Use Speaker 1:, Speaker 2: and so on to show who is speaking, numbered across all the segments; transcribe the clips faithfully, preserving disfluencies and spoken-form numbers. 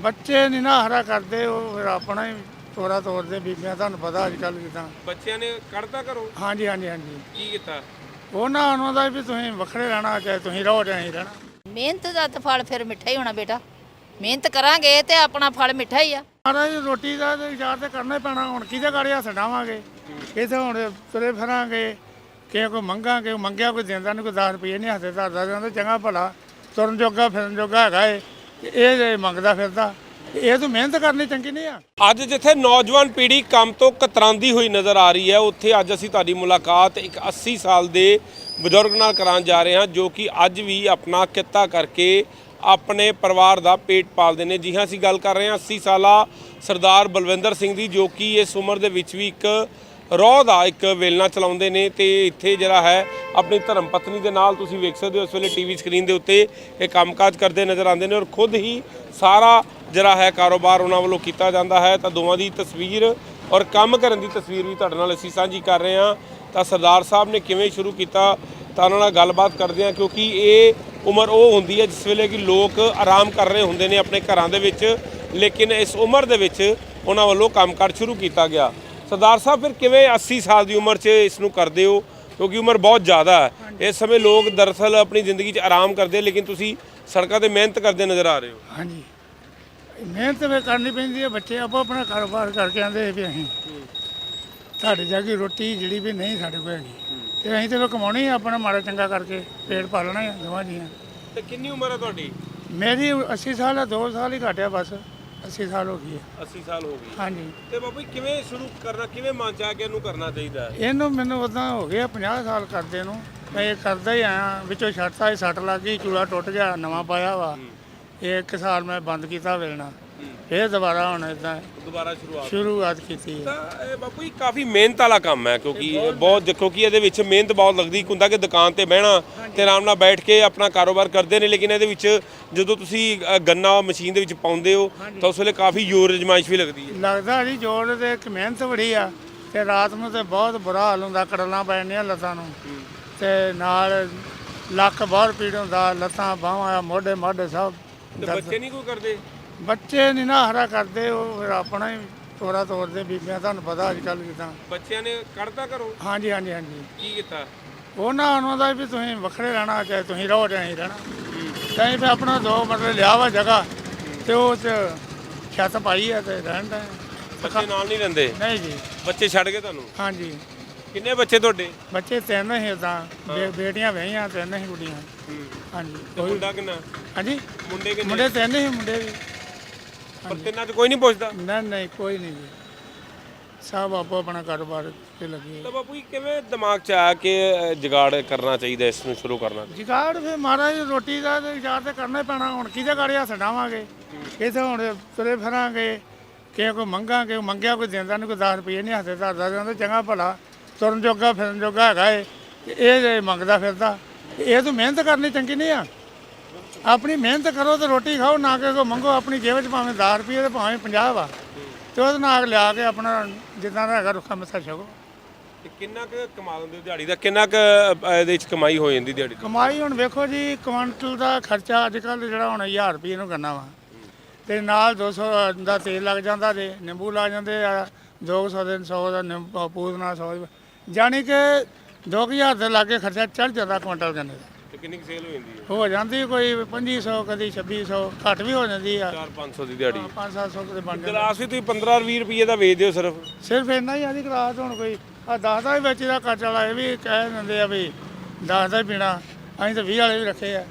Speaker 1: ਬੱਚੇ ਨਹੀਂ ਨਾ ਹਰਾ ਕਰਦੇ, ਉਹ ਫਿਰ ਆਪਣਾ ਹੀ ਤੋਰਾ ਤੋਰਦੇ ਬੀਬੀਆਂ, ਤੁਹਾਨੂੰ ਪਤਾ ਅੱਜ ਕੱਲ੍ਹ ਜਿੱਦਾਂ।
Speaker 2: ਬੱਚਿਆਂ ਨੇ ਕੱਢਤਾ ਘਰੋਂ?
Speaker 1: ਹਾਂਜੀ ਹਾਂਜੀ ਹਾਂਜੀ।
Speaker 2: ਕੀ ਕੀਤਾ?
Speaker 1: ਉਹਨਾਂ ਉਹਨਾਂ ਦਾ ਵੀ ਤੁਸੀਂ ਵੱਖਰੇ ਰਹਿਣਾ, ਚਾਹੇ ਤੁਸੀਂ ਰਹੋ ਚਾਹੇ ਅਸੀਂ ਰਹਿਣਾ।
Speaker 3: ਮਿਹਨਤ ਦਾ ਤਾਂ ਫਲ ਫਿਰ ਮਿੱਠਾ ਹੀ ਹੋਣਾ ਬੇਟਾ। ਮਿਹਨਤ ਕਰਾਂਗੇ ਤੇ ਆਪਣਾ ਫਲ ਮਿੱਠਾ ਹੀ ਆ।
Speaker 1: ਮਹਾਰਾਜ ਰੋਟੀ ਦਾ ਤੇ ਵਿਚਾਰ ਤੇ ਕਰਨਾ ਹੀ ਪੈਣਾ। ਹੁਣ ਕਿਹਦੇ ਗਾੜੀ ਹੱਥ ਡਾਵਾਂਗੇ? ਇੱਥੇ ਹੁਣ ਤੁਰੇ ਫਿਰਾਂਗੇ, ਕਿਸੇ ਕੋਈ ਮੰਗਾਂਗੇ, ਮੰਗਿਆ ਕੋਈ ਦਿੰਦਾ ਨਹੀਂ, ਕੋਈ ਦਸ ਰੁਪਏ ਨਹੀਂ ਹੱਥੇ ਧਰਦਾ ਜਾਂਦਾ। ਚੰਗਾ ਭਲਾ ਤੁਰਨ ਜੋਗਾ ਫਿਰਨ ਜੋਗਾ ਹੈਗਾ ਏ, ਇਹ ਜੇ ਮੰਗਦਾ ਫਿਰਦਾ, ਇਹ ਤਾਂ ਮਿਹਨਤ ਕਰਨੀ ਚੰਗੀ ਨਹੀਂ ਆ।
Speaker 2: ਅੱਜ ਜਿੱਥੇ ਨੌਜਵਾਨ ਪੀੜ੍ਹੀ ਕੰਮ ਤੋਂ ਕਤਰਾਉਂਦੀ ਹੋਈ ਨਜ਼ਰ ਆ ਰਹੀ ਹੈ, ਉੱਥੇ ਅੱਜ ਅਸੀਂ ਤੁਹਾਡੀ ਮੁਲਾਕਾਤ ਇੱਕ ਅੱਸੀ ਸਾਲ ਦੇ ਬਜ਼ੁਰਗ ਨਾਲ ਕਰਾਉਣ ਜਾ ਰਹੇ ਹਾਂ, ਜੋ ਕਿ ਅੱਜ ਵੀ ਆਪਣਾ ਕਿੱਤਾ ਕਰਕੇ ਆਪਣੇ ਪਰਿਵਾਰ ਦਾ ਪੇਟ ਪਾਲਦੇ ਨੇ। ਜੀ ਹਾਂ, ਅਸੀਂ ਗੱਲ ਕਰ ਰਹੇ ਹਾਂ ਅੱਸੀ ਸਾਲਾ ਸਰਦਾਰ ਬਲਵਿੰਦਰ ਸਿੰਘ ਦੀ, ਜੋ ਕਿ ਇਸ ਉਮਰ ਦੇ ਵਿੱਚ ਵੀ ਇੱਕ ਰੋਹ ਦਾ ਇੱਕ ਵੇਲਣਾ ਚਲਾਉਂਦੇ ਨੇ ਤੇ ਇੱਥੇ ਜਿਹੜਾ ਹੈ ਆਪਣੀ ਧਰਮ ਪਤਨੀ ਦੇ ਨਾਲ ਤੁਸੀਂ ਵੇਖ ਸਕਦੇ ਹੋ ਇਸ ਵੇਲੇ ਟੀਵੀ ਸਕਰੀਨ ਦੇ ਉੱਤੇ ਇਹ ਕੰਮਕਾਜ ਕਰਦੇ ਨਜ਼ਰ ਆਉਂਦੇ ਨੇ ਔਰ ਖੁਦ ਹੀ ਸਾਰਾ ਜਿਹੜਾ ਹੈ ਕਾਰੋਬਾਰ ਉਹਨਾਂ ਵੱਲੋਂ ਕੀਤਾ ਜਾਂਦਾ ਹੈ। ਤਾਂ ਦੋਵਾਂ ਦੀ ਤਸਵੀਰ ਔਰ ਕੰਮ ਕਰਨ ਦੀ ਤਸਵੀਰ ਵੀ ਤੁਹਾਡੇ ਨਾਲ ਅਸੀਂ ਸਾਂਝੀ ਕਰ ਰਹੇ ਹਾਂ। ਤਾਂ ਸਰਦਾਰ ਸਾਹਿਬ ਨੇ ਕਿਵੇਂ ਸ਼ੁਰੂ ਕੀਤਾ ਤਾਂ ਉਹਨਾਂ ਨਾਲ ਗੱਲਬਾਤ ਕਰਦੇ ਹਾਂ, ਕਿਉਂਕਿ ਇਹ ਉਮਰ ਉਹ ਹੁੰਦੀ ਹੈ ਜਿਸ ਵੇਲੇ ਕਿ ਲੋਕ ਆਰਾਮ ਕਰ ਰਹੇ ਹੁੰਦੇ ਨੇ ਆਪਣੇ ਘਰਾਂ ਦੇ ਵਿੱਚ, ਲੇਕਿਨ ਇਸ ਉਮਰ ਦੇ ਵਿੱਚ ਉਹਨਾਂ ਵੱਲੋਂ ਕੰਮਕਾਰ ਸ਼ੁਰੂ ਕੀਤਾ ਗਿਆ। ਸਰਦਾਰ ਸਾਹਿਬ, ਫਿਰ ਕਿਵੇਂ ਅੱਸੀ ਸਾਲ ਦੀ ਉਮਰ 'ਚ ਇਸ ਨੂੰ ਕਰਦੇ ਹੋ, ਕਿਉਂਕਿ ਉਮਰ ਬਹੁਤ ਜ਼ਿਆਦਾ ਹੈ। ਇਸ ਸਮੇਂ ਲੋਕ ਦਰਅਸਲ ਆਪਣੀ ਜ਼ਿੰਦਗੀ 'ਚ ਆਰਾਮ ਕਰਦੇ, ਲੇਕਿਨ ਤੁਸੀਂ ਸੜਕਾਂ 'ਤੇ ਮਿਹਨਤ ਕਰਦੇ ਨਜ਼ਰ ਆ ਰਹੇ ਹੋ।
Speaker 1: ਹਾਂਜੀ, ਮਿਹਨਤ ਵੀ ਕਰਨੀ ਪੈਂਦੀ ਹੈ। ਬੱਚੇ ਆਪੋ ਆਪਣਾ ਕਾਰੋਬਾਰ ਕਰਕੇ ਆਉਂਦੇ ਵੀ ਅਸੀਂ ਤੁਹਾਡੇ ਜਾ ਕੇ ਰੋਟੀ ਜਿਹੜੀ ਵੀ ਨਹੀਂ ਸਾਡੇ ਕੋਲ ਹੈਗੀ, ਤੇ ਅਸੀਂ ਤੇ ਕਮਾਉਣੀ ਆਪਣਾ ਮਾੜਾ ਚੰਗਾ ਕਰਕੇ ਪੇਟ ਪਾਲਣਾ ਹੈ ਦੋਵਾਂ ਜੀਆਂ।
Speaker 2: ਤੇ ਕਿੰਨੀ ਉਮਰ ਹੈ ਤੁਹਾਡੀ?
Speaker 1: ਮੇਰੀ ਅੱਸੀ ਸਾਲ ਹੈ, ਦੋ ਸਾਲ ਹੀ ਘਟਿਆ ਬਸ, ਅੱਸੀ ਸਾਲ ਹੋ ਗਈ ਹੈ।
Speaker 2: ਅੱਸੀ ਸਾਲ ਹੋ ਗਈ।
Speaker 1: ਹਾਂਜੀ।
Speaker 2: ਤੇ ਬਾਬੂ ਜੀ ਕਿਵੇਂ ਸ਼ੁਰੂ ਕਰਨਾ, ਕਿਵੇਂ ਮਨ ਚ ਆ ਕੇ ਇਹਨੂੰ ਕਰਨਾ ਚਾਹੀਦਾ ਹੈ?
Speaker 1: ਇਹਨੂੰ ਮੈਨੂੰ ਉਦਾਂ ਹੋ ਗਿਆ ਪੰਜਾਹ ਸਾਲ ਕਰਦੇ ਨੂੰ, ਮੈਂ ਇਹ ਕਰਦਾ ਹੀ ਆਇਆ। ਵਿੱਚੋਂ ਛੱਡਤਾ ਸੀ, ਸੱਟ ਲੱਗ ਗਈ, ਚੂੜਾ ਟੁੱਟ ਗਿਆ, ਨਵਾਂ ਪਾਇਆ ਵਾ। ਇਹ ਇੱਕ ਸਾਲ ਮੈਂ ਬੰਦ ਕੀਤਾ ਵੇਲਣਾ, ਫਿਰ ਦੁਬਾਰਾ ਹੁਣ ਇਦਾਂ
Speaker 2: ਦੁਬਾਰਾ ਸ਼ੁਰੂਆਤ
Speaker 1: ਸ਼ੁਰੂਆਤ ਕੀਤੀ ਹੈ।
Speaker 2: ਤਾਂ ਇਹ ਬਾਪੂ ਜੀ ਕਾਫੀ ਮਿਹਨਤ ਵਾਲਾ ਕੰਮ ਹੈ, ਕਿਉਂਕਿ ਇਹ ਬਹੁਤ ਦੇਖੋ ਕਿ ਇਹਦੇ ਵਿੱਚ ਮਿਹਨਤ ਬਹੁਤ ਲੱਗਦੀ। ਇੱਕ ਹੁੰਦਾ ਕਿ ਦੁਕਾਨ ਤੇ ਬਹਿਣਾ ਤੇ ਆਰਾਮ ਨਾਲ ਬੈਠ ਕੇ ਆਪਣਾ ਕਾਰੋਬਾਰ ਕਰਦੇ ਨੇ, ਲੇਕਿਨ ਇਹਦੇ ਵਿੱਚ ਜਦੋਂ ਤੁਸੀਂ ਅ, ਗੰਨਾ ਮਸ਼ੀਨ ਦੇ ਵਿੱਚ ਪਾਉਂਦੇ ਹੋ ਤਾਂ ਉਸ ਵੇਲੇ ਕਾਫੀ ਜ਼ੋਰ ਅਜਮਾਇਸ਼ ਵੀ ਲੱਗਦੀ ਹੈ।
Speaker 1: ਲੱਗਦਾ ਜੀ ਜੋਰ ਤੇ ਇੱਕ ਮਿਹਨਤ ਬੜੀ ਆ, ਤੇ ਰਾਤ ਨੂੰ ਤੇ ਬਹੁਤ ਬੁਰਾ ਹਾਲ ਹੁੰਦਾ, ਕੜਲਾਂ ਪੈ ਜਾਂਦੀਆਂ ਲੱਤਾਂ ਨੂੰ, ਤੇ ਨਾਲ ਲੱਕ ਬਹੁਤ ਪੀੜ ਹੁੰਦਾ, ਲੱਤਾਂ ਬਾਹਾਂ ਮੋਢੇ ਮਾਢੇ ਸਭ।
Speaker 2: ਤੇ ਬੱਚੇ ਨਹੀਂ ਕੋਈ ਕਰਦੇ?
Speaker 1: ਬੱਚੇ ਨਹੀਂ ਨਾ ਹਰਾ ਕਰਦੇ, ਉਹ ਫਿਰ ਆਪਣਾ ਹੀ ਤੋਰਾ ਤੋਰਦੇ ਬੀਬੀਆਂ, ਤੁਹਾਨੂੰ ਪਤਾ ਅੱਜ ਕੱਲ੍ਹ ਜਿੱਦਾਂ।
Speaker 2: ਬੱਚਿਆਂ ਨੇ ਕੱਢਤਾ ਘਰੋਂ?
Speaker 1: ਹਾਂਜੀ ਹਾਂਜੀ ਹਾਂਜੀ।
Speaker 2: ਕੀ ਕੀਤਾ?
Speaker 1: ਉਹਨਾਂ ਉਹਨਾਂ ਦਾ ਵੀ ਤੁਸੀਂ ਵੱਖਰੇ ਰਹਿਣਾ, ਚਾਹੇ ਤੁਸੀਂ ਰਹੋ ਚਾਹੇ ਅਸੀਂ ਰਹਿਣਾ। ਤਾਂ ਫਿਰ ਆਪਣਾ ਦੋ ਮਤਲਬ ਲਿਆ ਵਾ ਜਗ੍ਹਾ, ਤੇ ਉਹ 'ਚ ਛੱਤ ਪਾਈ ਆ ਤੇ ਰਹਿਣ ਦਾ।
Speaker 2: ਬੱਚੇ ਨਾਲ ਨਹੀਂ ਰਹਿੰਦੇ?
Speaker 1: ਨਹੀਂ ਜੀ।
Speaker 2: ਬੱਚੇ ਛੱਡ ਗਏ ਤੁਹਾਨੂੰ?
Speaker 1: ਹਾਂਜੀ।
Speaker 2: ਕਿੰਨੇ ਬੱਚੇ ਤੁਹਾਡੇ?
Speaker 1: ਬੱਚੇ ਤਿੰਨ ਹੀ ਉਦਾਂ, ਬੇਟੀਆਂ ਵਹੀਆਂ, ਤਿੰਨ ਹੀ ਕੁੜੀਆਂ। ਹਾਂਜੀ।
Speaker 2: ਮੁੰਡਾ ਕਿੰਨਾ?
Speaker 1: ਹਾਂਜੀ,
Speaker 2: ਮੁੰਡੇ ਕਿੰਨੇ?
Speaker 1: ਮੁੰਡੇ ਤਿੰਨ ਹੀ ਮੁੰਡੇ ਵੀ।
Speaker 2: ਪਰ ਤਿੰਨਾਂ 'ਚ ਕੋਈ ਨਹੀਂ ਪੁੱਛਦਾ?
Speaker 1: ਨਹੀਂ ਨਹੀਂ, ਕੋਈ ਨਹੀਂ ਜੀ, ਸਭ ਆਪੋ ਆਪਣਾ ਕਾਰੋਬਾਰ ਤੇ ਲੱਗੇ।
Speaker 2: ਤਾਂ ਬਾਪੂ ਜੀ ਕਿਵੇਂ ਦਿਮਾਗ 'ਚ ਆਇਆ ਕਿ ਜੁਗਾੜ ਕਰਨਾ ਚਾਹੀਦਾ, ਇਸ ਨੂੰ ਸ਼ੁਰੂ ਕਰਨਾ ਚਾਹੀਦਾ?
Speaker 1: ਜੁਗਾੜ ਫਿਰ ਮਹਾਰਾਜ ਰੋਟੀ ਦਾ ਤੇ ਵਿਚਾਰ ਤੇ ਕਰਨਾ ਹੀ ਪੈਣਾ। ਹੁਣ ਕਿਹਦੇ ਗਾੜੀ ਹੱਥ ਡਾਵਾਂਗੇ? ਇੱਥੇ ਹੁਣ ਤੁਰੇ ਫਿਰਾਂਗੇ, ਕਿਸੇ ਕੋਈ ਮੰਗਾਂਗੇ, ਮੰਗਿਆ ਕੋਈ ਦਿੰਦਾ ਨਹੀਂ, ਕੋਈ ਦਸ ਰੁਪਏ ਨਹੀਂ ਹੱਥੇ ਧਰਦਾ ਜਾਂਦਾ। ਚੰਗਾ ਭਲਾ ਤੁਰਨ ਜੋਗਾ ਫਿਰਨ ਜੋਗਾ ਹੈਗਾ ਏ, ਇਹ ਜੇ ਮੰਗਦਾ ਫਿਰਦਾ, ਇਹ ਤਾਂ ਮਿਹਨਤ ਕਰਨੀ ਚੰਗੀ ਨਹੀਂ ਆ। ਆਪਣੀ ਮਿਹਨਤ ਕਰੋ ਤੇ ਰੋਟੀ ਖਾਓ, ਨਾ ਕਿ ਕੋਈ ਮੰਗੋ। ਆਪਣੀ ਜੇਬ 'ਚ ਭਾਵੇਂ ਦਸ ਰੁਪਏ ਤੇ ਭਾਵੇਂ ਪੰਜਾਹ ਵਾ, ਤੇ ਉਹਦੇ ਨਾਲ ਲਿਆ ਕੇ ਆਪਣਾ ਜਿੱਦਾਂ ਦਾ ਹੈਗਾ ਰੁੱਖਾ ਮੱਥਾ ਛਕੋ।
Speaker 2: ਤੇ ਕਿੰਨਾ ਕੁ ਕਮਾ ਲੈਂਦੇ ਹੋ ਦਿਹਾੜੀ ਦਾ? ਕਿੰਨਾ ਕੁ ਇਹਦੇ ਵਿੱਚ ਕਮਾਈ ਹੋ ਜਾਂਦੀ ਦਿਹਾੜੀ?
Speaker 1: ਕਮਾਈ ਹੁਣ ਵੇਖੋ ਜੀ, ਕੁਆਂਟਲ ਦਾ ਖਰਚਾ ਅੱਜ ਕੱਲ੍ਹ ਜਿਹੜਾ ਹੁਣ ਹਜ਼ਾਰ ਰੁਪਏ ਨੂੰ ਕਰਨਾ ਵਾ, ਤੇ ਨਾਲ ਦੋ ਸੌ ਦਾ ਤੇਲ ਲੱਗ ਜਾਂਦਾ, ਤੇ ਨਿੰਬੂ ਲੱਗ ਜਾਂਦੇ ਆ ਦੋ ਸੌ ਦੇ, ਸੌ ਦਾ ਨਿੰਬੂ ਪੂਦਨਾ, ਸੌ ਜਾਣੀ ਕਿ ਦੋ ਕੁ ਹਜ਼ਾਰ ਦੇ ਲਾਗੇ ਖਰਚਾ ਚੜ੍ਹ ਜਾਂਦਾ ਕੁਆਂਟਲ ਗੰਨੇ ਦਾ।
Speaker 2: ਤੇ ਕਿੰਨੀ ਕੁ ਸੇਲ ਹੋ ਜਾਂਦੀ ਹੈ?
Speaker 1: ਹੋ ਜਾਂਦੀ ਕੋਈ ਪੱਚੀ ਸੌ, ਕਦੀ ਛੱਬੀ ਸੌ, ਘੱਟ ਵੀ ਹੋ ਜਾਂਦੀ ਆ।
Speaker 2: ਚਾਰ ਪੰਜ ਸੌ ਦੀ ਦਿਹਾੜੀ?
Speaker 1: ਪੰਜ ਸੱਤ ਸੌ ਦੇ ਬਣ ਜਾਂਦਾ।
Speaker 2: ਗਲਾਸ ਵੀ ਤੁਸੀਂ ਪੰਦਰਾਂ ਵੀਹ ਰੁਪਏ ਦਾ ਵੇਚਦੇ ਹੋ ਸਿਰਫ?
Speaker 1: ਸਿਰਫ ਇੰਨਾ ਹੀ ਆਦੀ ਗਲਾਸ। ਹੁਣ ਕੋਈ ਆ ਦਸ ਦਾ ਵੀ ਵੇਚਦਾ ਕੱਚ ਵਾਲਾ, ਇਹ ਵੀ ਕਹਿ ਦਿੰਦੇ ਆ ਵੀ ਦਸ ਦਾ ਹੀ ਪੀਣਾ। ਅਸੀਂ ਤਾਂ ਵੀਹ ਵਾਲੇ ਵੀ ਰੱਖੇ ਆ,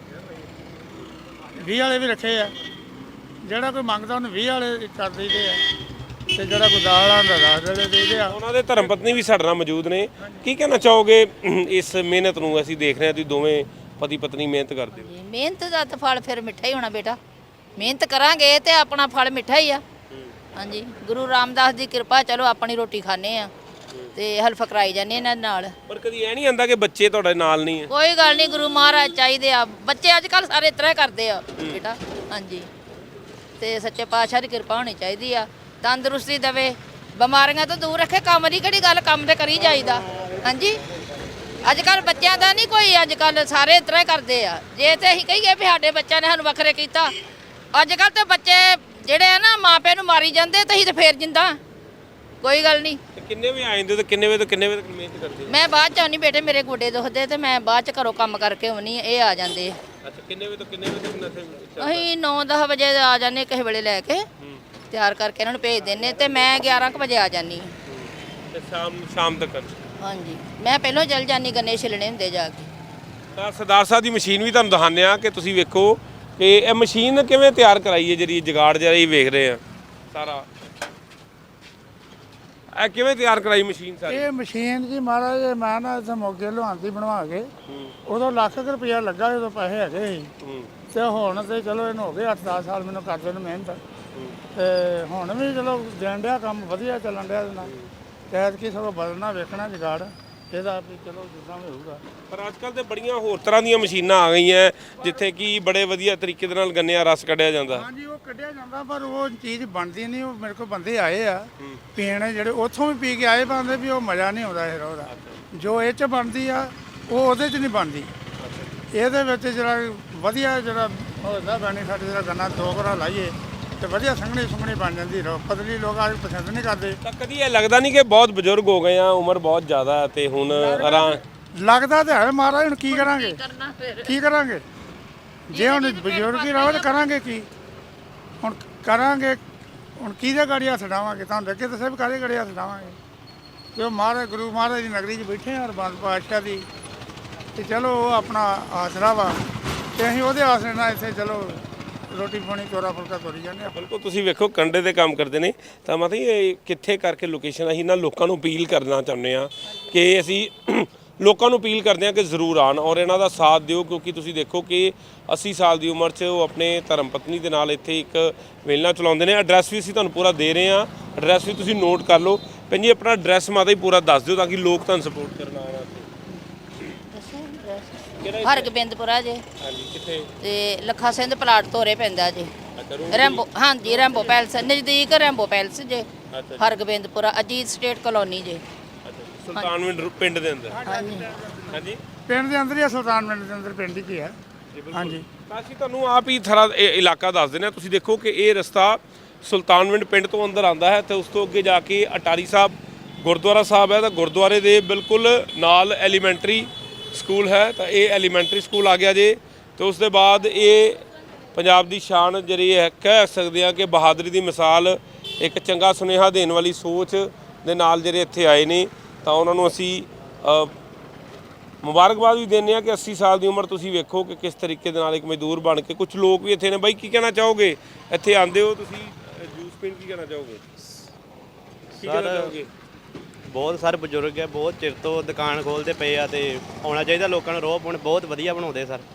Speaker 1: ਵੀਹ ਵਾਲੇ ਵੀ ਰੱਖੇ ਆ। ਜਿਹੜਾ ਕੋਈ ਮੰਗਦਾ ਉਹਨੂੰ ਵੀਹ ਵਾਲੇ ਕਰ ਦਈਦੇ ਆ, ਤੇ ਜਿਹੜਾ ਕੋਈ ਦਾਲ ਆਉਂਦਾ ਦਸ ਵਾਲੇ ਦੇਈਦੇ ਆ।
Speaker 2: ਉਹਨਾਂ ਦੇ ਧਰਮ ਪਤਨੀ ਵੀ ਸਾਡੇ ਨਾਲ ਮੌਜੂਦ ਨੇ। ਕੀ ਕਹਿਣਾ ਚਾਹੋਗੇ ਇਸ ਮਿਹਨਤ ਨੂੰ? ਅਸੀਂ ਦੇਖ ਰਹੇ ਹਾਂ ਤੁਸੀਂ ਦੋਵੇਂ ਪਤੀ ਪਤਨੀ ਮਿਹਨਤ ਕਰਦੇ ਹੋ।
Speaker 3: ਮਿਹਨਤ ਦਾ ਤਾਂ ਫਲ ਫਿਰ ਮਿੱਠਾ ਹੀ ਹੋਣਾ ਬੇਟਾ। ਮਿਹਨਤ ਕਰਾਂਗੇ ਤੇ ਆਪਣਾ ਫਲ ਮਿੱਠਾ ਹੀ ਆ। ਹਾਂਜੀ, ਗੁਰੂ ਰਾਮਦਾਸ ਦੀ ਕਿਰਪਾ, ਚਲੋ ਆਪਣੀ ਰੋਟੀ ਖਾਣੇ ਆ ਤੇ ਹਲਫ ਕਰਾਈ ਜਾਂਦੇ ਇਹਨਾਂ ਨਾਲ।
Speaker 2: ਪਰ ਕਦੀ ਇਹ ਨਹੀਂ ਆਂਦਾ ਕਿ ਬੱਚੇ ਤੁਹਾਡੇ ਨਾਲ ਨਹੀਂ ਹੈ?
Speaker 3: ਕੋਈ ਗੱਲ ਨਹੀਂ, ਗੁਰੂ ਮਹਾਰਾਜ ਚਾਹੀਦੇ ਆ। ਬੱਚੇ ਅੱਜ ਕੱਲ੍ਹ ਸਾਰੇ ਇਸ ਤਰ੍ਹਾਂ ਕਰਦੇ ਆ ਬੇਟਾ। ਹਾਂਜੀ, ਤੇ ਸੱਚੇ ਪਾਤਸ਼ਾਹ ਦੀ ਕਿਰਪਾ ਹੋਣੀ ਚਾਹੀਦੀ ਆ, ਤੰਦਰੁਸਤੀ ਦੇਵੇ, ਬਿਮਾਰੀਆਂ ਤੋਂ ਦੂਰ ਰੱਖੇ। ਕੰਮ ਦੀ ਕਿਹੜੀ ਗੱਲ, ਕੰਮ ਤੇ ਕਰੀ ਜਾਈਦਾ। ਹਾਂਜੀ, ਅੱਜ ਕੱਲ੍ਹ ਬੱਚਿਆਂ ਦਾ ਨਹੀਂ ਕੋਈ, ਅੱਜ ਕੱਲ੍ਹ ਸਾਰੇ ਇਸ ਤਰ੍ਹਾਂ ਹੀ ਕਰਦੇ ਆ। ਜੇ ਤੇ ਅਸੀਂ ਕਹੀਏ ਵੀ ਸਾਡੇ ਬੱਚਿਆਂ ਨੇ ਸਾਨੂੰ ਵੱਖਰੇ ਕੀਤਾ, ਅੱਜ ਕੱਲ੍ਹ ਤੇ ਬੱਚੇ ਜਿਹੜੇ ਨੂੰ ਮਾਰੀ ਜਾਂਦੇ ਤੇ ਅਸੀਂ ਤੇ ਫੇਰ ਜਿੰਦਾ ਕੋਈ ਗੱਲ ਨਹੀਂ।
Speaker 2: ਤੇ ਕਿੰਨੇ ਵਜੇ ਆ ਜਾਂਦੇ ਹੋ ਤੇ ਕਿੰਨੇ ਵਜੇ ਤੋਂ ਕਿੰਨੇ ਵਜੇ ਤੱਕ ਮਿਹਨਤ ਕਰਦੇ ਹੋ?
Speaker 3: ਮੈਂ ਬਾਅਦ ਚ ਆਉਣੀ ਬੇਟੇ, ਮੇਰੇ ਗੋਡੇ ਦੁਖਦੇ ਤੇ ਮੈਂ ਬਾਅਦ ਚ ਘਰੋਂ ਕੰਮ ਕਰਕੇ ਆਉਣੀ, ਇਹ ਆ ਜਾਂਦੇ।
Speaker 2: ਅੱਛਾ, ਕਿੰਨੇ ਵਜੇ ਤੋਂ ਕਿੰਨੇ ਵਜੇ ਤੱਕ ਨਸ਼ੇ?
Speaker 3: ਅਸੀਂ ਨੌ ਦਸ ਵਜੇ ਆ ਜਾਂਦੇ ਕਿਸੇ ਵੇਲੇ ਲੈ ਕੇ, ਤਿਆਰ ਕਰਕੇ ਇਹਨਾਂ ਨੂੰ ਭੇਜ ਦਿੰਨੇ ਤੇ ਮੈਂ ਗਿਆਰਾਂ ਕੁ ਵਜੇ ਆ ਜਾਂਦੀ।
Speaker 2: ਤੇ ਸ਼ਾਮ ਸ਼ਾਮ ਤੱਕ?
Speaker 3: ਹਾਂਜੀ, ਮੈਂ ਪਹਿਲਾਂ ਚਲ ਜਾਂਦੀ, ਗੰਨੇ ਛਿਲਣੇ ਹੁੰਦੇ ਜਾ ਕੇ।
Speaker 2: ਤਾਂ ਸਰਦਾਰ ਸਾਹਿਬ ਦੀ ਮਸ਼ੀਨ ਵੀ ਤੁਹਾਨੂੰ ਦਿਖਾਉਂਦੇ ਆ ਕਿ ਤੁਸੀਂ ਵੇਖੋ ਕਿ ਇਹ ਮਸ਼ੀਨ ਕਿਵੇਂ ਤਿਆਰ ਕਰਾਈ ਹੈ, ਜਿਹੜੀ ਜੁਗਾੜ ਜਿਹੜਾ ਇਹ ਵੇਖ ਰਹੇ ਆ ਸਾਰਾ। ਇਹ ਕਿਵੇਂ ਤਿਆਰ ਕਰਾਈ ਮਸ਼ੀਨ ਸਾਰੀ?
Speaker 1: ਇਹ ਮਸ਼ੀਨ ਜੀ ਮਹਾਰਾਜ ਮੈਂ ਨਾ ਇੱਥੇ ਮੋਗੇ ਲੁਹਾਂਦੀ ਬਣਵਾ ਕੇ, ਉਦੋਂ ਲੱਖ ਕੁ ਰੁਪਇਆ ਲੱਗਾ, ਉਦੋਂ ਪੈਸੇ ਹੈਗੇ ਸੀ। ਤੇ ਹੁਣ ਤੇ ਚਲੋ ਇਹਨੂੰ ਹੋ ਗਏ ਅੱਠ ਦਸ ਸਾਲ ਮੈਨੂੰ ਕਰਦੇ ਨੂੰ ਮਿਹਨਤ, ਤੇ ਹੁਣ ਵੀ ਚਲੋ ਦੇਣ ਡਿਆ, ਕੰਮ ਵਧੀਆ ਚੱਲਣ ਡਿਆ ਇਹਦੇ ਨਾਲ। ਕੈਦ ਕੀ ਸਗੋਂ ਬਦਲਣਾ ਵੇਖਣਾ ਜੁਗਾੜ ਇਹਦਾ ਵੀ, ਚਲੋ ਜਿੱਦਾਂ ਵੀ ਹੋਊਗਾ।
Speaker 2: ਪਰ ਅੱਜ ਕੱਲ੍ਹ ਤੇ ਬੜੀਆਂ ਹੋਰ ਤਰ੍ਹਾਂ ਦੀਆਂ ਮਸ਼ੀਨਾਂ ਆ ਗਈਆਂ ਜਿੱਥੇ ਕਿ ਬੜੇ ਵਧੀਆ ਤਰੀਕੇ ਦੇ ਨਾਲ ਗੰਨੇ ਦਾ ਰਸ ਕੱਢਿਆ ਜਾਂਦਾ।
Speaker 1: ਹਾਂਜੀ, ਉਹ ਕੱਢਿਆ ਜਾਂਦਾ, ਪਰ ਉਹ ਚੀਜ਼ ਬਣਦੀ ਨਹੀਂ। ਉਹ ਮੇਰੇ ਕੋਲ ਬੰਦੇ ਆਏ ਆ ਪੀਣ, ਜਿਹੜੇ ਉੱਥੋਂ ਵੀ ਪੀ ਕੇ ਆਏ, ਬੰਦੇ ਵੀ ਉਹ ਮਜ਼ਾ ਨਹੀਂ ਆਉਂਦਾ ਇਹ ਉਹਦਾ ਜੋ ਇਹ 'ਚ ਬਣਦੀ ਆ, ਉਹ ਉਹਦੇ 'ਚ ਨਹੀਂ ਬਣਦੀ। ਇਹਦੇ ਵਿੱਚ ਜਿਹੜਾ ਵਧੀਆ ਜਿਹੜਾ ਹੁੰਦਾ ਬੈਨੀਫਿਟ, ਜਿਹੜਾ ਗੰਨਾ ਦੋ ਘਰਾ ਲਾਈਏ ਤੇ ਵਧੀਆ ਸੰਘਣੀ ਸੁੰਘਣੀ ਬਣ ਜਾਂਦੀ। ਰੋ ਪਤਲੀ ਲੋਕ ਅੱਜ ਪਸੰਦ ਨਹੀਂ ਕਰਦੇ।
Speaker 2: ਤਾਂ ਕਦੀ ਇਹ ਲੱਗਦਾ ਨਹੀਂ ਕਿ ਬਹੁਤ ਬਜ਼ੁਰਗ ਹੋ ਗਏ ਆ, ਉਮਰ ਬਹੁਤ ਜ਼ਿਆਦਾ ਹੈ ਤੇ ਹੁਣ ਆਰਾਮ
Speaker 1: ਲੱਗਦਾ ਤੇ ਹੈ ਮਹਾਰਾਜ, ਹੁਣ ਕੀ ਕਰਾਂਗੇ
Speaker 3: ਕਰਨਾ ਫਿਰ
Speaker 1: ਕੀ ਕਰਾਂਗੇ ਜੇ ਹੁਣ ਬਜ਼ੁਰਗ ਹੀ ਰਹੋ ਤਾਂ ਕਰਾਂਗੇ ਕੀ? ਹੁਣ ਕਰਾਂਗੇ ਹੁਣ ਕਿਹਦੇ ਗਾੜੀ ਹੱਥ ਡਾਵਾਂਗੇ? ਤੁਹਾਨੂੰ ਅੱਗੇ ਦੱਸਿਆ ਵੀ ਕਾਹਦੇ ਗਾੜੀ ਹੱਥ ਡਾਵਾਂਗੇ? ਜੋ ਮਹਾਰਾਜ ਗੁਰੂ ਮਹਾਰਾਜ ਦੀ ਨਗਰੀ 'ਚ ਬੈਠੇ ਹਾਂ ਅਰਬੰਦ ਪਾਤਸ਼ਾਹ ਦੀ, ਤੇ ਚਲੋ ਉਹ ਆਪਣਾ ਆਸਰਾ ਵਾ, ਤੇ ਅਸੀਂ ਉਹਦੇ ਆਸਰੇ ਨਾਲ ਇੱਥੇ ਚਲੋ ਰੋਟੀ ਪਾਣੀ ਚੋਰਾ ਫੁਲਕਾ ਤੋਰੀ ਜਾਂਦੇ ਹਾਂ।
Speaker 2: ਬਿਲਕੁਲ, ਤੁਸੀਂ ਵੇਖੋ ਕੰਡੇ ਦੇ ਕੰਮ ਕਰਦੇ ਨੇ, ਤਾਂ ਮਤਲਬ ਇਹ ਕਿੱਥੇ ਕਰਕੇ ਲੋਕੇਸ਼ਨ ਅਸੀਂ ਨਾ ਲੋਕਾਂ ਨੂੰ ਅਪੀਲ ਕਰਨਾ ਚਾਹੁੰਦੇ ਆ ਕਿ ਅਸੀਂ ਲੋਕਾਂ ਨੂੰ ਅਪੀਲ ਕਰਦੇ ਆ ਕਿ ਜ਼ਰੂਰ ਆਉਣ ਔਰ ਇਹਨਾਂ ਦਾ ਸਾਥ ਦਿਓ, ਕਿਉਂਕਿ ਤੁਸੀਂ ਦੇਖੋ ਕਿ ਅੱਸੀ ਸਾਲ ਦੀ ਉਮਰ 'ਚ ਉਹ ਆਪਣੇ ਧਰਮ ਪਤਨੀ ਦੇ ਨਾਲ ਇੱਥੇ ਇੱਕ ਵੇਲਣਾ ਚਲਾਉਂਦੇ ਨੇ। ਐਡਰੈਸ ਵੀ ਅਸੀਂ ਤੁਹਾਨੂੰ ਪੂਰਾ ਦੇ ਰਹੇ ਹਾਂ, ਐਡਰੈਸ ਵੀ ਤੁਸੀਂ ਨੋਟ ਕਰ ਲਓ। ਭੈਣ ਜੀ ਆਪਣਾ ਐਡਰੈਸ ਮਾਤਾ ਹੀ ਪੂਰਾ ਦੱਸ ਦਿਓ ਤਾਂ ਕਿ ਲੋਕ ਤੁਹਾਨੂੰ ਸਪੋਰਟ ਕਰਨ ਆਉਣ।
Speaker 3: ਹਰਗੋਬਿੰਦਪੁਰਾ ਜੇ।
Speaker 2: ਹਾਂਜੀ, ਕਿੱਥੇ?
Speaker 3: ਤੇ ਲੱਖਾ ਸਿੰਘ ਪਲਾਟ ਤੋਰੇ ਪੈਂਦਾ ਜੇ।
Speaker 2: ਅੱਛਾ,
Speaker 3: ਰੈਂਬੋ, ਹਾਂਜੀ ਰੈਂਬੋ ਪੈਲਸ ਨਜ਼ਦੀਕ ਰੈਂਬੋ ਪੈਲਸ ਜੇ।
Speaker 2: ਅੱਛਾ,
Speaker 3: ਹਰਗੋਬਿੰਦਪੁਰਾ ਅਜੀਤ ਸਟੇਟ ਕਲੋਨੀ ਜੇ।
Speaker 2: ਸੁਲਤਾਨਵਿੰਡ ਪਿੰਡ ਦੇ ਅੰਦਰ।
Speaker 3: ਹਾਂਜੀ,
Speaker 2: ਹਾਂਜੀ,
Speaker 1: ਪਿੰਡ ਦੇ ਅੰਦਰ ਹੀ ਆ, ਸੁਲਤਾਨ ਪਿੰਡ ਦੇ ਅੰਦਰ ਪਿੰਡ ਹੀ ਕੀ ਹੈ। ਹਾਂਜੀ,
Speaker 2: ਤਾਂ ਅਸੀਂ ਤੁਹਾਨੂੰ ਆਪ ਹੀ ਥਰਾ ਇਹ ਇਲਾਕਾ ਦੱਸ ਦਿੰਦੇ ਹਾਂ। ਤੁਸੀਂ ਦੇਖੋ ਕਿ ਇਹ ਰਸਤਾ ਸੁਲਤਾਨਵਿੰਡ ਪਿੰਡ ਤੋਂ ਅੰਦਰ ਆਉਂਦਾ ਹੈ ਤੇ ਉਸ ਤੋਂ ਅੱਗੇ ਜਾ ਕੇ ਅਟਾਰੀ ਸਾਹਿਬ ਗੁਰਦੁਆਰਾ ਸਾਹਿਬ ਹੈ। ਤਾਂ ਗੁਰਦੁਆਰੇ ਦੇ ਬਿਲਕੁਲ ਨਾਲ ਐਲੀਮੈਂਟਰੀ ਸਕੂਲ ਹੈ, ਤਾਂ ਇਹ ਐਲੀਮੈਂਟਰੀ ਸਕੂਲ ਆ ਗਿਆ ਜੇ। ਤੇ ਉਸ ਦੇ ਬਾਅਦ ਇਹ ਪੰਜਾਬ ਦੀ ਸ਼ਾਨ ਜਿਹੜੀ ਹੈ, ਕਹਿ ਸਕਦੇ ਹਾਂ ਕਿ ਬਹਾਦਰੀ ਦੀ ਮਿਸਾਲ, ਇੱਕ ਚੰਗਾ ਸੁਨੇਹਾ ਦੇਣ ਵਾਲੀ ਸੋਚ ਦੇ ਨਾਲ ਜਿਹੜੇ ਇੱਥੇ ਆਏ ਨੇ, ਤਾਂ ਉਹਨਾਂ ਨੂੰ ਅਸੀਂ ਮੁਬਾਰਕਬਾਦ ਵੀ ਦਿੰਦੇ ਹਾਂ ਕਿ ਅੱਸੀ ਸਾਲ ਦੀ ਉਮਰ ਤੁਸੀਂ ਵੇਖੋ ਕਿ ਕਿਸ ਤਰੀਕੇ ਦੇ ਨਾਲ ਇੱਕ ਮਜ਼ਦੂਰ ਬਣ ਕੇ। ਕੁਝ ਲੋਕ ਵੀ ਇੱਥੇ ਨੇ। ਬਾਈ ਕੀ ਕਹਿਣਾ ਚਾਹੋਗੇ? ਇੱਥੇ ਆਉਂਦੇ ਹੋ ਤੁਸੀਂ ਜੂਸ ਪੀਣ, ਕੀ ਕਹਿਣਾ ਚਾਹੋਗੇ? ਕੀ ਕਹਿਣਾ ਚਾਹੋਗੇ?
Speaker 4: ਬਹੁਤ ਸਾਰੇ ਬਜ਼ੁਰਗ ਹੈ, ਬਹੁਤ ਚਿਰ ਤੋਂ ਦੁਕਾਨ ਖੋਲ੍ਹਦੇ ਪਏ ਆ, ਤੇ ਆਉਣਾ ਚਾਹੀਦਾ ਲੋਕਾਂ ਨੂੰ। ਰੋਹ ਪਾਉਣ ਬਹੁਤ ਵਧੀਆ ਬਣਾਉਂਦੇ ਸਰ,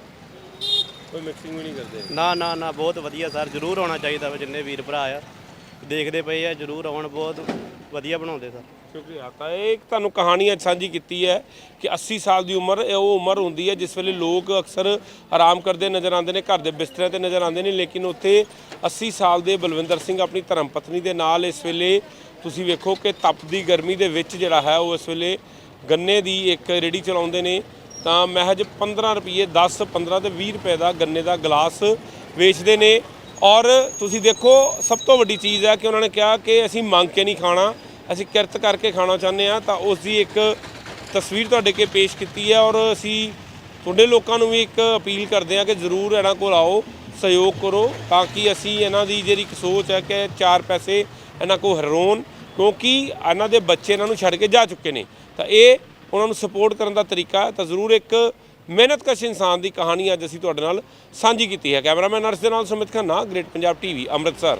Speaker 2: ਕੋਈ ਮਿਕਸਿੰਗ ਵੀ ਨਹੀਂ ਕਰਦੇ?
Speaker 4: ਨਾ ਨਾ ਨਾ ਬਹੁਤ ਵਧੀਆ ਸਰ, ਜ਼ਰੂਰ ਆਉਣਾ ਚਾਹੀਦਾ ਵਾ। ਜਿੰਨੇ ਵੀਰ ਭਰਾ ਆ ਦੇਖਦੇ ਪਏ ਆ, ਜ਼ਰੂਰ ਆਉਣ, ਬਹੁਤ ਵਧੀਆ ਬਣਾਉਂਦੇ ਸਰ।
Speaker 2: ਸ਼ੁਕਰੀਆ। ਤਾਂ ਇਹ ਤੁਹਾਨੂੰ ਕਹਾਣੀ ਅੱਜ ਸਾਂਝੀ ਕੀਤੀ ਹੈ ਕਿ ਅੱਸੀ ਸਾਲ ਦੀ ਉਮਰ ਇਹ ਉਹ ਉਮਰ ਹੁੰਦੀ ਹੈ ਜਿਸ ਵੇਲੇ ਲੋਕ ਅਕਸਰ ਆਰਾਮ ਕਰਦੇ ਨਜ਼ਰ ਆਉਂਦੇ ਨੇ, ਘਰ ਦੇ ਬਿਸਤਰਿਆਂ ਤੇ ਨਜ਼ਰ ਆਉਂਦੇ ਨੇ, ਲੇਕਿਨ ਉੱਥੇ ਅੱਸੀ ਸਾਲ ਦੇ ਬਲਵਿੰਦਰ ਸਿੰਘ ਆਪਣੀ ਧਰਮ ਪਤਨੀ ਦੇ ਨਾਲ ਇਸ ਵੇਲੇ ਤੁਸੀਂ ਵੇਖੋ ਕਿ ਤਪਦੀ ਗਰਮੀ ਦੇ ਵਿੱਚ ਜਿਹੜਾ ਹੈ ਉਹ ਇਸ ਵੇਲੇ ਗੰਨੇ ਦੀ ਇੱਕ ਰੇਹੜੀ ਚਲਾਉਂਦੇ ਨੇ। ਤਾਂ ਮਹਿਜ ਪੰਦਰਾਂ ਰੁਪਏ, ਦਸ ਪੰਦਰਾਂ ਤੇ ਵੀਹ ਰੁਪਏ ਦਾ ਗੰਨੇ ਦਾ ਗਲਾਸ ਵੇਚਦੇ ਨੇ। ਔਰ ਤੁਸੀਂ ਦੇਖੋ ਸਭ ਤੋਂ ਵੱਡੀ ਚੀਜ਼ ਹੈ ਕਿ ਉਹਨਾਂ ਨੇ ਕਿਹਾ ਕਿ ਅਸੀਂ ਮੰਗ ਕੇ ਨਹੀਂ ਖਾਣਾ, ਅਸੀਂ ਕਿਰਤ ਕਰਕੇ ਖਾਣਾ ਚਾਹੁੰਦੇ ਹਾਂ। ਤਾਂ ਉਸ ਦੀ ਇੱਕ ਤਸਵੀਰ ਤੁਹਾਡੇ ਅੱਗੇ ਪੇਸ਼ ਕੀਤੀ ਹੈ ਔਰ ਅਸੀਂ ਤੁਹਾਡੇ ਲੋਕਾਂ ਨੂੰ ਵੀ ਇੱਕ ਅਪੀਲ ਕਰਦੇ ਹਾਂ ਕਿ ਜ਼ਰੂਰ ਇਹਨਾਂ ਕੋਲ ਆਓ, ਸਹਿਯੋਗ ਕਰੋ, ਤਾਂ ਕਿ ਅਸੀਂ ਇਹਨਾਂ ਦੀ ਜਿਹੜੀ ਇੱਕ ਸੋਚ ਹੈ ਕਿ ਚਾਰ ਪੈਸੇ ਇਹਨਾਂ ਕੋਲ ਹਰੋਣ, ਕਿਉਂਕਿ ਇਹਨਾਂ ਦੇ ਬੱਚੇ ਇਹਨਾਂ ਨੂੰ ਛੱਡ ਕੇ ਜਾ ਚੁੱਕੇ ਨੇ। ਤਾਂ ਇਹ ਉਹਨਾਂ ਨੂੰ ਸਪੋਰਟ ਕਰਨ ਦਾ ਤਰੀਕਾ ਹੈ। ਤਾਂ ਜ਼ਰੂਰ ਇੱਕ ਮਿਹਨਤਕਸ਼ ਇਨਸਾਨ ਦੀ ਕਹਾਣੀ ਅੱਜ ਅਸੀਂ ਤੁਹਾਡੇ ਨਾਲ ਸਾਂਝੀ ਕੀਤੀ ਹੈ। ਕੈਮਰਾਮੈਨ ਅਰਸ਼ ਦੇ ਨਾਲ ਸੁਮਿਤ ਖੰਨਾ, ਗ੍ਰੇਟ ਪੰਜਾਬ ਟੀਵੀ, ਅੰਮ੍ਰਿਤਸਰ।